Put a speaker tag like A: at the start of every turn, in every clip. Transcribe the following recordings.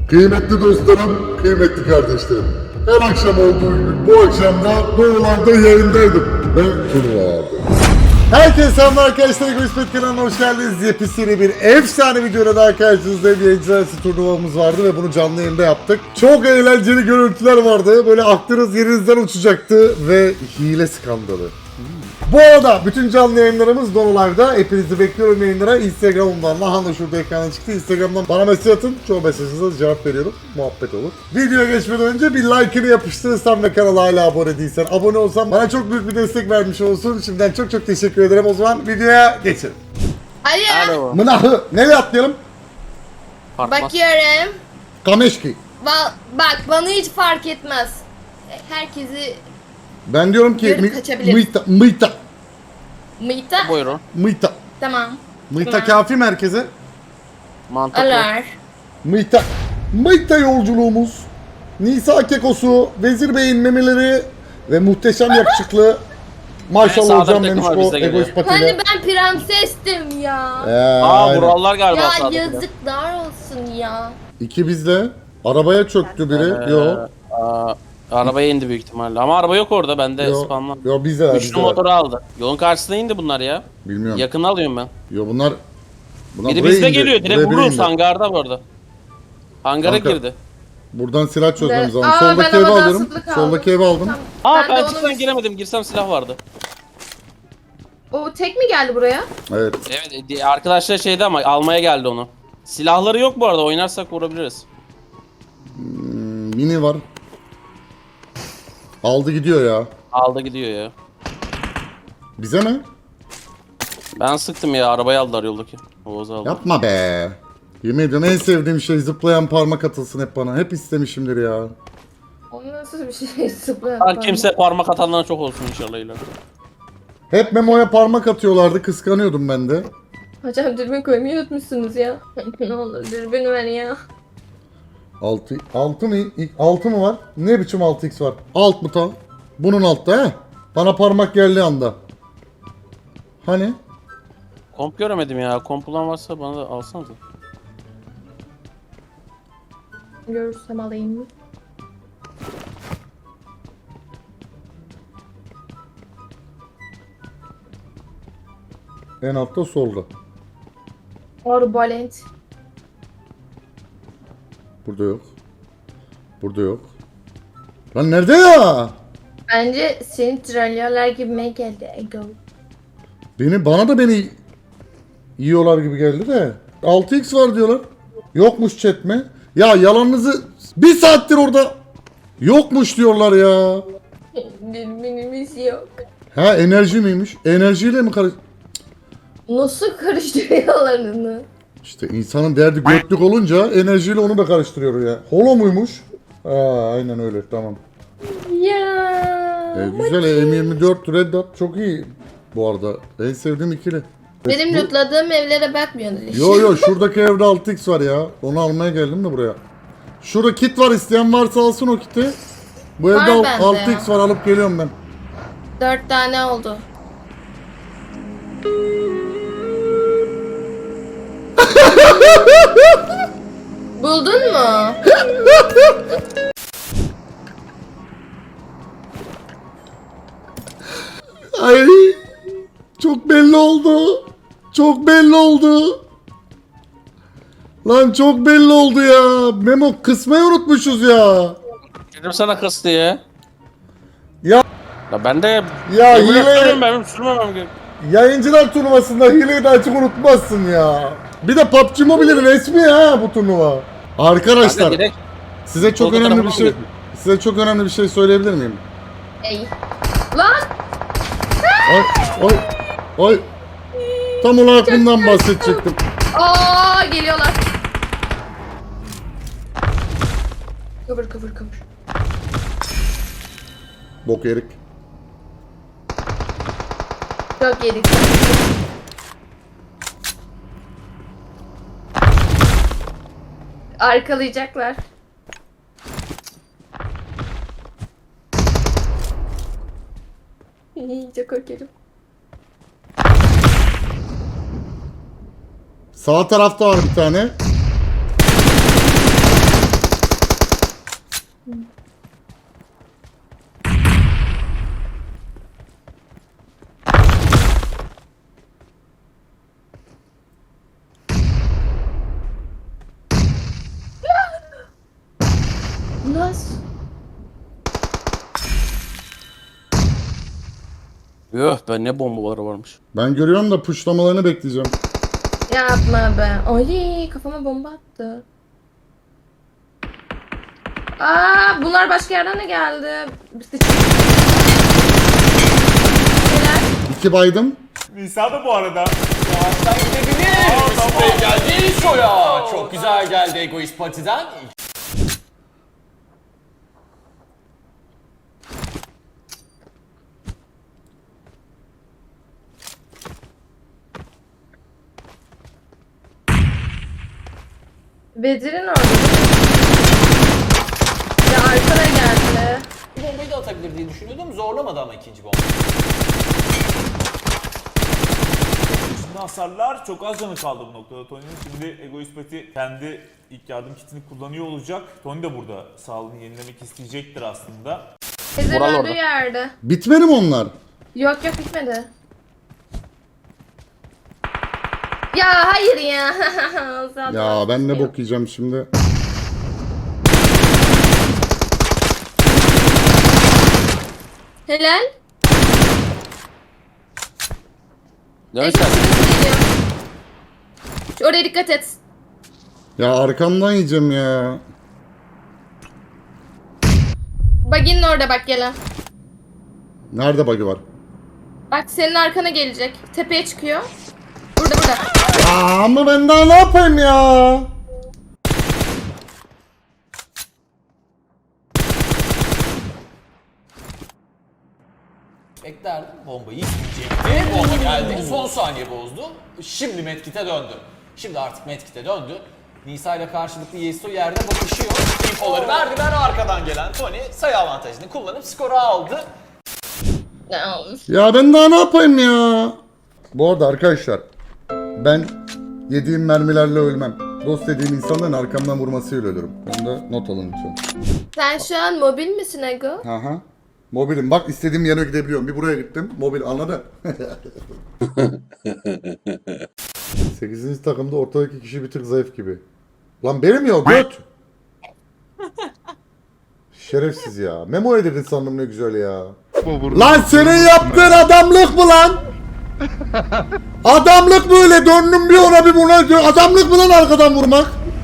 A: Kıymetli dostlarım, kıymetli kardeşlerim. Her akşam olduğu gibi bu akşam da Doğular'da yayındaydım. Ve turnuva vardı. Herkese selamlar arkadaşlar. Egoist kanalına hoş geldiniz. Yepyeni bir efsane videoda daha karşınızdayım. Yayıncılar arası turnuvamız vardı ve bunu canlı yayında yaptık. Çok eğlenceli görüntüler vardı. Böyle aklınız yerinizden uçacaktı ve hile skandalı. Bu arada bütün canlı yayınlarımız Donolive'da. Hepinizi bekliyorum yayınlara. Instagram'dan, Lahana şurada ekrana çıktı. Instagram'dan bana mesaj atın. Çoğu mesajınıza cevap veriyorum. Muhabbet olur. Videoya geçmeden önce bir like'ını yapıştırırsan ve kanala hala abone değilsen, abone olsan bana çok büyük bir destek vermiş olsun. Şimdiden çok teşekkür ederim. O zaman videoya geçelim.
B: Alo.
A: Mınahı. Nereye atlayalım?
B: Bakıyorum.
A: Kameşki.
B: Bak bana hiç fark etmez. Herkesi
A: Ben diyorum ki
B: görüp kaçabiliriz.
A: Mıyta.
B: Mıyta.
C: Buyurun.
A: Mıyta.
B: Tamam.
A: Mıyta
B: Tamam.
A: kafi merkeze.
C: Mantıklı.
B: Alar.
A: Mıyta yolculuğumuz. Nisa kekosu, Vezir Bey'in memeleri ve muhteşem yakışıklı. Maşallah
C: Sağda
A: hocam
C: bir takım var,
A: Memişko
C: bizde geliyor.
A: egoist patiyle.
B: Hani ben prensestim ya.
A: Aynen.
C: Buralar galiba
B: Ya
C: sağda.
B: yazıklar olsun ya.
A: İki bizde. Arabaya çöktü biri. Yok.
C: Arabaya indi büyük ihtimalle. Ama araba yok orada, bende
A: Yok.
C: spamlan.
A: Yok bizde var.
C: Üçlü motoru aldı. Yolun karşısına indi bunlar ya.
A: Bilmiyorum.
C: Yakın alıyorum ben.
A: Yok bunlar
C: Biri
A: buraya
C: bizde
A: indi.
C: geliyor.
A: Buraya
C: Direkt
A: biri
C: vururuz
A: indi.
C: hangarda bu arada. Hangara
A: Kanka,
C: girdi.
A: Buradan silah çözmemiz lazım.
B: Aa,
A: Soldaki
B: ben
A: evi
B: havadan
A: alıyorum.
B: sıklık aldım.
A: Soldaki evi aldım.
B: Tamam.
C: Ben
B: de
C: açıktan
B: onu-
C: giremedim. Girsem silah vardı.
B: O tek mi geldi buraya?
A: Evet.
C: Evet, arkadaşlar şeydi ama almaya geldi onu. Silahları yok bu arada. Oynarsak vurabiliriz.
A: Mini var. Aldı gidiyor ya.
C: Aldı gidiyor ya.
A: Bize mi?
C: Ben sıktım ya. Arabayı aldılar yoldaki. Oğuz aldı.
A: Yapma be. Yemin ediyorum en sevdiğim şey zıplayan parmak atılsın hep bana. Hep istemişimdir ya.
B: O nasıl bir şey? Sıfır.
C: Her kimse parmak atanlara çok olsun inşallah ileride.
A: Hep Memo'ya parmak atıyorlardı. Kıskanıyordum ben de.
B: Hocam dürbün koymayı unutmuşsunuz ya. Ne olur dürbün ver ya.
A: 6 mı var? Ne biçim 6x var? Alt mı tam? Bunun altta he? Bana parmak geldiği anda. Hani?
C: Komp göremedim ya. Komp olan varsa bana da alsanıza.
B: Görürsem alayım mı?
A: En altta solda.
B: Arbalent.
A: Burada yok. Burada yok. Lan nerede ya?
B: Bence seni trollüyorlar gibime geldi Ego.
A: Bana da beni yiyorlar gibi geldi de. 6x var diyorlar. Yokmuş chat mi? Ya yalanınızı bir saattir orada yokmuş diyorlar ya.
B: Dürbünümüz yok.
A: Ha enerji miymiş? Enerjiyle mi karış...
B: Nasıl karıştırıyorlar onu?
A: İşte insanın derdi götlük olunca enerjiyle onu da karıştırıyor ya. Holo muymuş? Aa aynen öyle tamam.
B: Ya.
A: Güzel M24 Red Dot çok iyi bu arada. En sevdiğim ikili.
B: Benim
A: Bu-
B: lootladığım evlere bakmıyorsunuz işte.
A: Yo şuradaki evde 6x var ya. Onu almaya geldim de buraya. Şurada kit var, isteyen varsa alsın o kiti. Bu
B: Var
A: evde
B: bende
A: 6x var, alıp geliyorum ben.
B: 4 tane oldu. Buldun mu?
A: Ay çok belli oldu. Çok belli oldu. Lan çok belli oldu ya. Memo kısmayı unutmuşuz ya.
C: Dedim sana kıs diye.
A: Ya
C: Ya ben de
A: Ya
C: emülatörüm,
A: hile-
C: benim sürmemem gerek.
A: yayıncılar turnuvasında hileyi de açık unutmazsın ya. Bir de PUBG Mobile'in resmi ha bu turnuva. Arkadaşlar
C: Ben de direkt
A: size çok
C: Solda
A: önemli bir
C: tarafına
A: şey
C: mı
A: size çok önemli bir şey söyleyebilir miyim?
B: Ey. Lan!
A: Ay ay ay. Tam olarak bundan bahsedecektim.
B: Aa geliyorlar. Kıvır kıvır kıvır.
A: Bok erik.
B: Çok yedik. Arkalayacaklar. Çok korkuyorum.
A: Sağ tarafta var bir tane.
B: Nasıl?
C: Yuh ben ne bombaları varmış.
A: Ben görüyorum da pushlamalarını bekleyeceğim.
B: Yapma be. Ay kafama bomba attı. Aa bunlar başka yerden de geldi. Neler?
A: 2 baydım.
D: Nisa da bu arada.
E: Yavaştan gidebilir. Sprey geldi Soya. Çok güzel geldi Egoist Pati'den.
B: Vezir'in orada. Ya arkana geldi.
E: Bu bombayı da atabilir diye düşünüyordum. Zorlamadı ama ikinci bomba.
D: Şimdi hasarlar çok az canı kaldı bu noktada Tony'nin. Şimdi Egoist Pati kendi ilk yardım kitini kullanıyor olacak. Tony de burada sağlığını yenilemek isteyecektir aslında.
B: Vezir'in
C: Vural
B: öldüğü
C: orada.
B: yerde.
A: Bitmedi mi onlar?
B: Yok yok bitmedi. Ya hayır ya. Zaten
A: Ya ben ne
B: yok.
A: bok yiyeceğim şimdi.
B: Helal.
C: Dön
B: Eksik
C: sen.
B: geliyor. Oraya dikkat et.
A: Ya arkamdan yiyeceğim ya.
B: Baginin orada bak gelen.
A: Nerede bug'ı var?
B: Bak senin arkana gelecek. Tepeye çıkıyor. Burada burada.
A: Aa, ama ben daha ne yapayım ya?
E: Beklerdim. Bombayı isteyecekti. Bomba geldi. Son saniye bozdu. Şimdi Medkit'e döndü. Şimdi artık Medkit'e döndü. Nisa ile karşılıklı Yeso yerde bakışıyor. Infoları verdiler. Arkadan gelen Tony sayı avantajını kullanıp skoru aldı.
B: Ne olmuş?
A: Ya ben daha ne yapayım ya? Bu arada arkadaşlar ben yediğim mermilerle ölmem. Dost dediğim insanların arkamdan vurmasıyla ölürüm. Bunu da not alın lütfen.
B: Sen şu an mobil misin Ego?
A: Aha. Mobilim. Bak istediğim yere gidebiliyorum. Bir buraya gittim. Mobil anladın? 8. takımda ortadaki kişi bir tık zayıf gibi. Lan benim ya göt. Şerefsiz ya. Memo edirdin sandım ne güzel ya. Lan senin yaptığın adamlık mı lan? Adamlık böyle döndüm bir ona bir buna. Adamlık mı lan arkadan vurmak?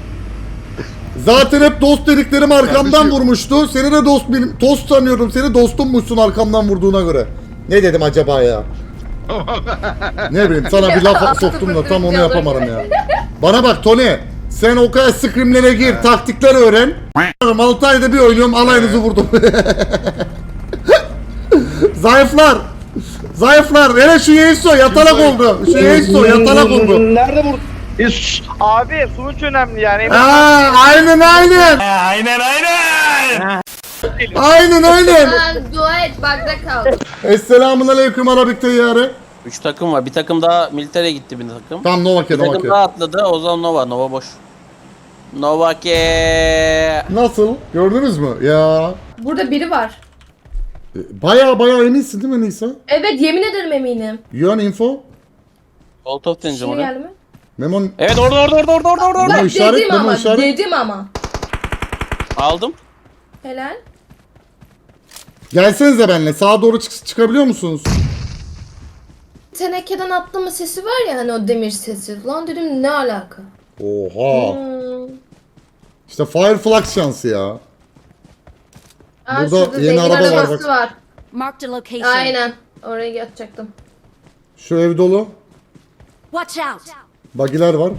A: Zaten hep dost dediklerim arkamdan vurmuştu. Seni de dost benim. Tost sanıyordum. Seni dostummuşsun arkamdan vurduğuna göre. Ne dedim acaba ya? Ne bileyim sana bir laf soktum da tam onu yapamadım ya. Bana bak Tony. Sen o kadar scrimlere gir. Taktikler öğren. 6 ayda bir oynuyorum. Alayınızı vurdum. Zayıflar. Zayıflar. Hele şu Yeiso yatalak oldu. Şu Yeiso yatalak oldu.
F: Nerede vur? Abi sonuç önemli yani.
A: Aa, aynen aynen. Aynen aynen.
B: Sen dua et bagda kal.
A: Esselamun aleyküm Arabik teyyarı.
C: 3 takım var. Bir takım daha militere gitti bir takım.
A: Tamam Novake
C: Bir takım
A: Novake.
C: daha atladı. O zaman Nova. Nova boş. Novake.
A: Nasıl? Gördünüz mü? Ya.
B: Burada biri var.
A: Baya eminsin değil mi Nisa?
B: Evet yemin ederim eminim.
A: Yuan info.
C: Molotov deneyeceğim
B: Şimdi
C: oraya.
B: geldi mi?
A: Memon
C: Evet orada.
B: Bak
A: işaret,
B: dedim
A: Memo
B: ama.
A: işaret.
B: Dedim ama.
C: Aldım.
B: Helal.
A: gelsenize benimle. Sağa doğru çıkabiliyor musunuz?
B: Tenekeden atlama sesi var ya hani o demir sesi. Lan dedim ne alaka?
A: Oha.
B: Hmm.
A: İşte Fireflux şansı ya.
B: Aa,
A: Burada
B: şurada
A: yeni
B: zengin
A: araba var
B: arabası
A: bak.
B: var.
G: Marked a location.
B: Aynen. Oraya yatacaktım.
A: Şu ev dolu.
G: Watch out!
A: Bagiler var.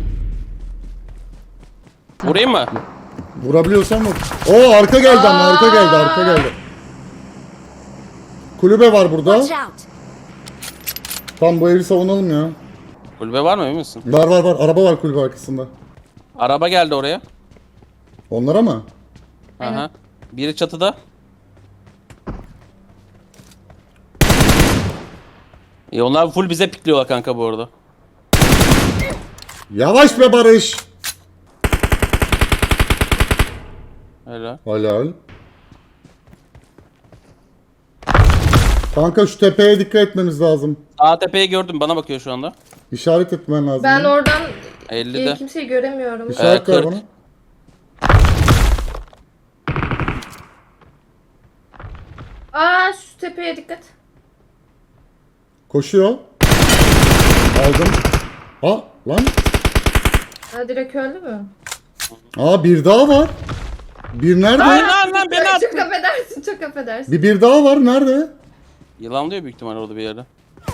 C: Vurayım mı?
A: Vurabiliyorsan vur. Oo arka geldi ama arka geldi. Kulübe var burada.
G: Watch out!
A: Tam bu evi savunalım ya.
C: Kulübe var mı emin misin?
A: Var. Araba var kulübe arkasında.
C: Araba geldi oraya.
A: Onlara mı?
C: Aha. Biri çatıda. Onlar full bize pikliyorlar kanka bu arada.
A: Yavaş be Barış.
C: Helal.
A: Helal. Kanka şu tepeye dikkat etmemiz lazım.
C: Sağ tepeyi gördüm, bana bakıyor şu anda.
A: İşaret etmen lazım.
B: Ben
A: ya.
B: oradan
C: 50'de.
B: kimseyi göremiyorum.
A: İşaret ver
C: 40.
A: bana.
B: Aa şu tepeye dikkat.
A: Koşuyor. Aldım. Aa lan.
B: Ha direkt öldü mü?
A: Aa bir daha var. Bir nerede?
C: Lan beni attı.
B: Çok affedersin, çok affedersin.
A: Bir daha var. Nerede?
C: Yılan diyor büyük ihtimal orada bir yerde.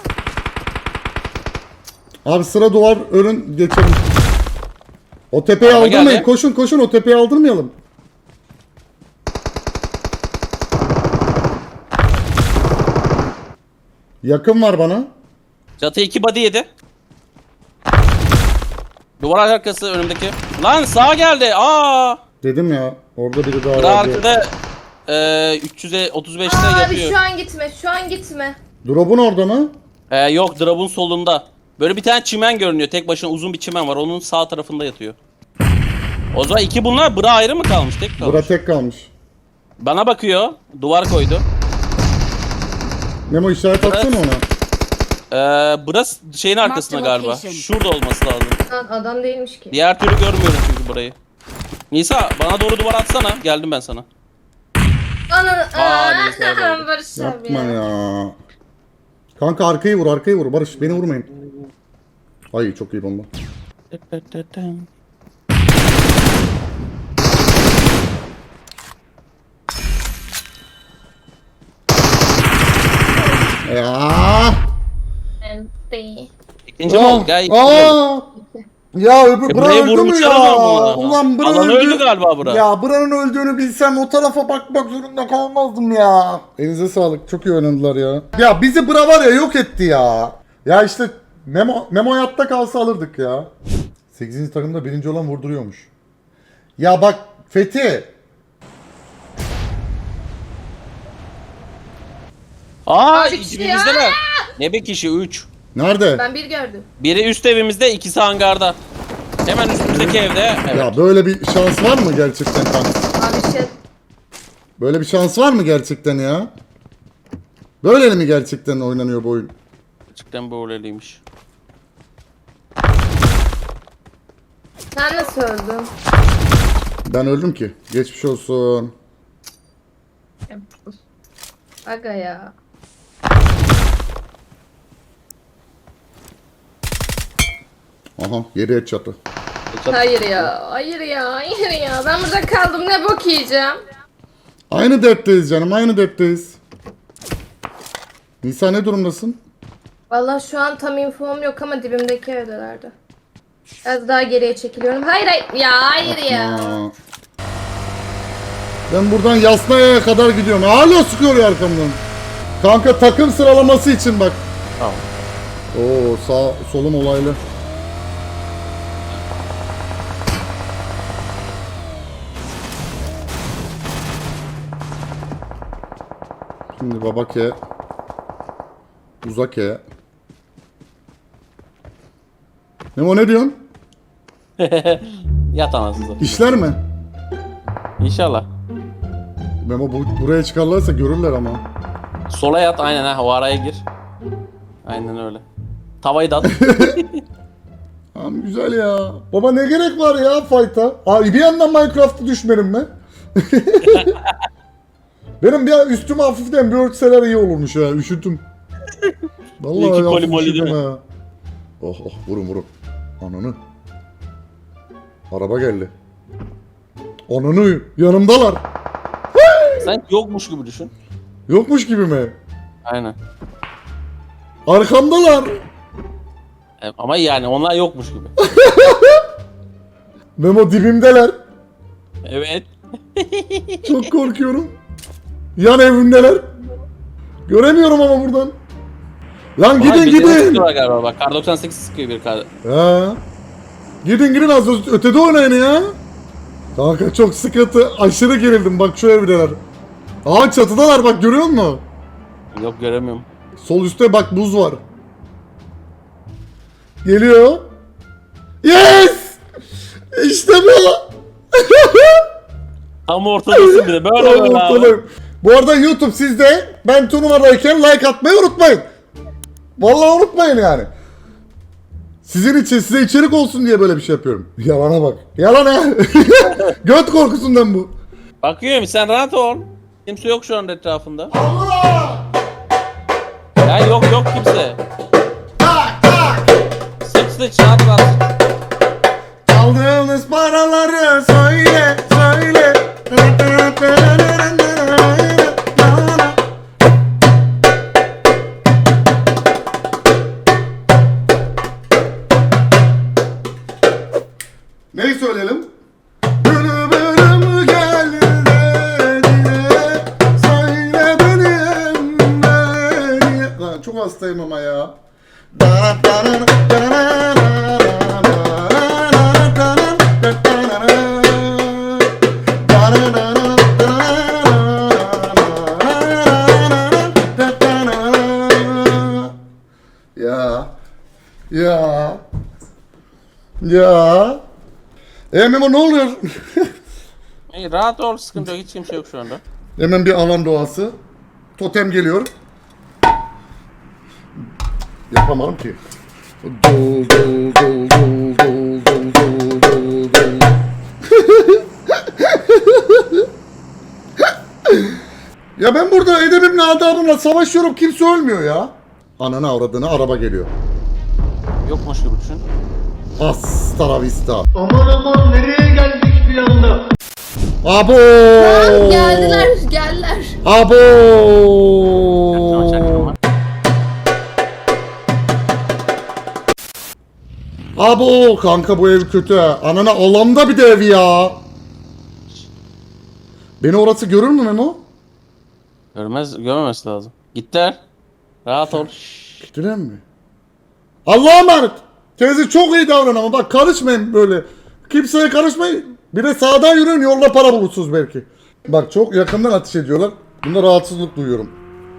A: Abi sıra duvar önün geçelim. O tepeyi
C: Araba
A: aldırmayın.
C: geldi.
A: Koşun koşun o tepeyi aldırmayalım. Yakın var bana.
C: Çatı 2 body yedi. Duvar arkası önümdeki. Lan sağa geldi. Aa!
A: Dedim ya orada biri daha
C: Bura
A: vardı.
C: arkada 335'te
B: Abi
C: yapıyor.
B: şu an gitme, şu an gitme.
A: Drop'un orada mı?
C: Yok, drop'un solunda. Böyle bir tane çimen görünüyor. Tek başına uzun bir çimen var. Onun sağ tarafında yatıyor. O zaman iki bunlar. Bura ayrı mı kalmış? Tek kalmış.
A: Bura tek kalmış.
C: Bana bakıyor. Duvar koydu.
A: Memo işaret
C: Burası-
A: atsana ona.
C: Burası şeyin arkasında
G: Marked
C: galiba.
G: location.
C: Şurada olması lazım.
B: Lan adam değilmiş ki.
C: Diğer türlü görmüyorum çünkü burayı. Nisa bana doğru duvar atsana. Geldim ben sana.
B: Ananı
C: Neyse, hadi.
B: Barış abi
A: Yapma
B: ya.
A: ya. Kanka arkayı vur. Barış beni vurmayın. Ay çok iyi bomba. Ya.
B: Enti.
C: İkinci mi oldu? Gel.
A: Aa! Ya öbür Bra
C: burayı
A: öldü mü
C: vurmuşlar
A: ya?
C: ama bunu.
A: Ulan Bra
C: Alan öldü galiba bura.
A: Ya Bra'nın öldüğünü bilsem o tarafa bakmak zorunda kalmazdım ya. Elinize sağlık. Çok iyi oynadılar ya. Ya bizi Bra var ya yok etti ya. Ya işte Memo hayatta kalsa alırdık ya. 8. takımda birinci olan vurduruyormuş. Ya bak Fethi.
C: Aa,
B: Abi kişi
C: dibimizdeler. Ne bir kişi? 3.
A: Nerede?
B: Ben bir gördüm.
C: Biri üst evimizde, ikisi hangarda. Hemen üstümüzdeki evde. Evet.
A: Ya böyle bir şans var mı gerçekten kanka?
B: Abi şey
A: Böyle bir şans var mı gerçekten ya? Böyle mi gerçekten oynanıyor bu oyun?
C: Gerçekten böyleymiş.
B: sen nasıl öldün?
A: Ben öldüm ki. Geçmiş olsun.
B: Aga ya.
A: Aha geriye çatı.
B: Hayır ya, hayır ya, hayır ya. Ben burada kaldım, ne bok yiyeceğim?
A: Aynı dertteyiz canım, aynı dertteyiz. Nisa ne durumdasın?
B: Vallahi şu an tam infom yok ama dibimdeki evdelerde. Biraz daha geriye çekiliyorum. Hayır hayır ya, hayır ya.
A: Aa. Ben buradan Yasnaya'ya kadar gidiyorum. Hala sıkıyor ya arkamdan. Kanka takım sıralaması için bak.
C: Tamam.
A: Oo sağ solum olaylı. Şimdi babake. Uzake. Memo ne diyorsun?
C: Yat anasını.
A: İşler mi?
C: İnşallah.
A: Memo buraya çıkarlarsa görürler ama.
C: Sola yat aynen ha, o araya gir. Aynen öyle. Tavayı da at.
A: Tamam güzel ya. Baba ne gerek var ya fight'a? Abi bir yandan Minecraft'a düşmedim mi? Benim bir üstüme hafiften bir örtseler iyi olurmuş ya. Üşütüm. Vallahi
C: İyi ki koli
A: hafif
C: moli
A: üşüdüm
C: değil mi?
A: ha. Oh oh vurun. Ananı. Araba geldi. Ananı yanımdalar.
C: Sen yokmuş gibi düşün.
A: Yokmuş gibi mi?
C: Aynen.
A: Arkamdalar.
C: Ama yani onlar yokmuş gibi.
A: Memo dibimdeler.
C: Evet.
A: Çok korkuyorum. Yan evimdeler. Göremiyorum ama buradan. Lan
C: Ama
A: gidin
C: birine
A: gidin.
C: sıkıyorlar galiba bak. Kar 98 sıkıyor bir kar.
A: Ha. Gidin az ötede oynayın ya. Kanka çok sıkıntı. Aşırı gerildim bak şu evdeler. Aa çatıdalar bak görüyor musun?
C: Yok göremiyorum.
A: Sol üstte bak buz var. Geliyor. Yes! İşte bu.
C: Tam ortadasın bir de. Böyle böyle abi.
A: Bu arada YouTube sizde, ben turnuvadayken like atmayı unutmayın. Vallahi unutmayın yani. Sizin için, size içerik olsun diye böyle bir şey yapıyorum. Yalana bak. Yalan ha. Göt korkusundan bu.
C: Bakıyorum sen rahat ol. Kimse yok şu anda etrafında.
A: Allah!
C: Ya yok kimse. Sıç rahat rahat.
A: Aldığınız paraları söyle, söyle. Neyi söyleyelim? Bülbülüm geldi diye söyle benim beni. Lan çok hastayım ama ya. Ya. Memo ne oluyor?
C: İyi rahat ol sıkıntı yok hiç kimse yok şu anda.
A: Hemen bir alan doğası. Totem geliyor. Yapamadım ki. Dol dol dol dol dol dol dol dol dol. Ya ben burada edebimle adabımla savaşıyorum, kimse ölmüyor ya. Ananı avradını, araba geliyor.
C: Yokmuş gibi düşün.
A: Hasta la vista.
H: Aman aman nereye geldik bir anda?
A: Abo.
B: Geldiler.
A: Abo.
C: Tamam, çaktırma.
A: Abo kanka bu ev kötü ha. Anana alanda bir de ev ya. Beni orası görür mü Memo?
C: Görmemesi lazım. Gittiler. Rahat ol.
A: Gittiler mi? Allah'a emanet. Teyze çok iyi davran ama bak karışmayın böyle. Kimseye karışmayın. Bir de sağdan yürüyün, yolda para bulursunuz belki. Bak çok yakından ateş ediyorlar. Bunda rahatsızlık duyuyorum.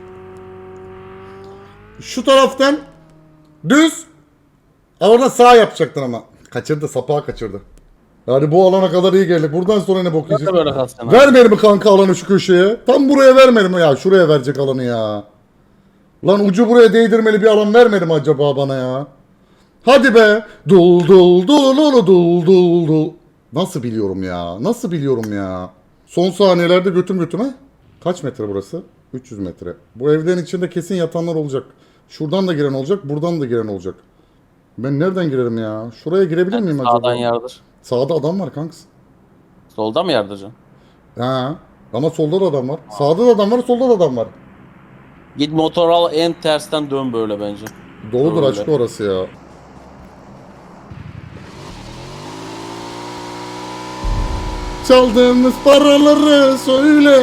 A: Şu taraftan düz. Orada sağ yapacaktın ama. Kaçırdı, sapağı kaçırdı. Yani bu alana kadar iyi geldik. Buradan sonra ne bok yiyeceğiz?
C: Böyle kalsın abi.
A: Vermedi mi kanka alanı şu köşeye? Tam buraya vermedi mi ya? Şuraya verecek alanı ya. Lan ucu buraya değdirmeli bir alan vermedi mi acaba bana ya? Hadi be. Dul dul dul dul dul dul dul. Nasıl biliyorum ya? Nasıl biliyorum ya? Son saniyelerde götüm götüme. Kaç metre burası? 300 metre. Bu evlerin içinde kesin yatanlar olacak. Şuradan da giren olacak, buradan da giren olacak. Ben nereden girerim ya? Şuraya girebilir miyim acaba?
C: Sağdan yardır.
A: Sağda adam var kanks.
C: Solda mı yardıracaksın?
A: Ha. Ama solda da adam var. Sağda da adam var, solda da adam var.
C: Git motor al en tersten dön böyle bence.
A: Doludur,
C: Öyle.
A: açık orası ya. Çaldığımız paraları söyle.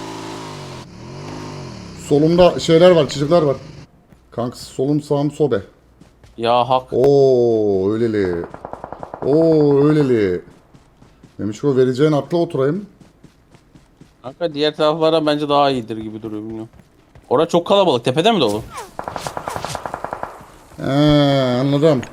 A: Solumda şeyler var, çocuklar var. Kanks solum sağım sobe.
C: Ya hak.
A: Oo öyleli. Oo öyleli. Demiş o vereceğin akla oturayım.
C: Kanka diğer taraflara bence daha iyidir gibi duruyor bilmiyorum. Orada çok kalabalık. Tepede mi dolu?
A: Anladım.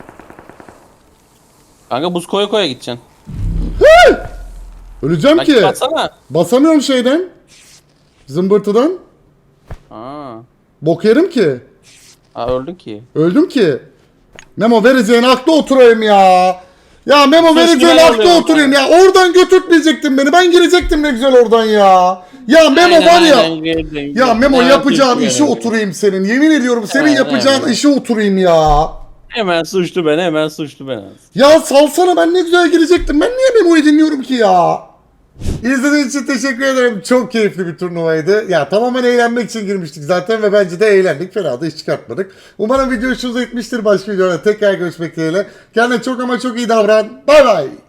C: Kanka buz koya koya gideceksin.
A: Öleceğim ki.
C: Baksana.
A: Basamıyorum şeyden. Zımbırtıdan.
C: Aa.
A: Bok yerim ki.
C: Öldün ki.
A: Öldüm ki. Memo vereceğin akla oturayım ya. Ya Memo vereceğin
C: ben
A: akla
C: alıyorum
A: oturayım ya. Oradan götürtmeyecektin beni. Ben girecektim ne güzel oradan ya. Ya Memo
C: Aynen,
A: var ya.
C: aynen, girdin.
A: Ya Memo
C: Evet,
A: yapacağın
C: girdin.
A: işe oturayım senin. Yemin ediyorum senin
C: Evet,
A: yapacağın
C: evet.
A: işe oturayım ya.
C: Hemen suçlu beni.
A: Ya salsana, ben ne güzel girecektim. Ben niye Memo'yu dinliyorum ki ya? İzlediğiniz için teşekkür ederim. Çok keyifli bir turnuvaydı. Ya tamamen eğlenmek için girmiştik zaten ve bence de eğlendik. Fena da iş çıkartmadık. Umarım video hoşunuza gitmiştir. Başka videoda tekrar görüşmek dileğiyle. Kendine çok ama çok iyi davran. Bay bay.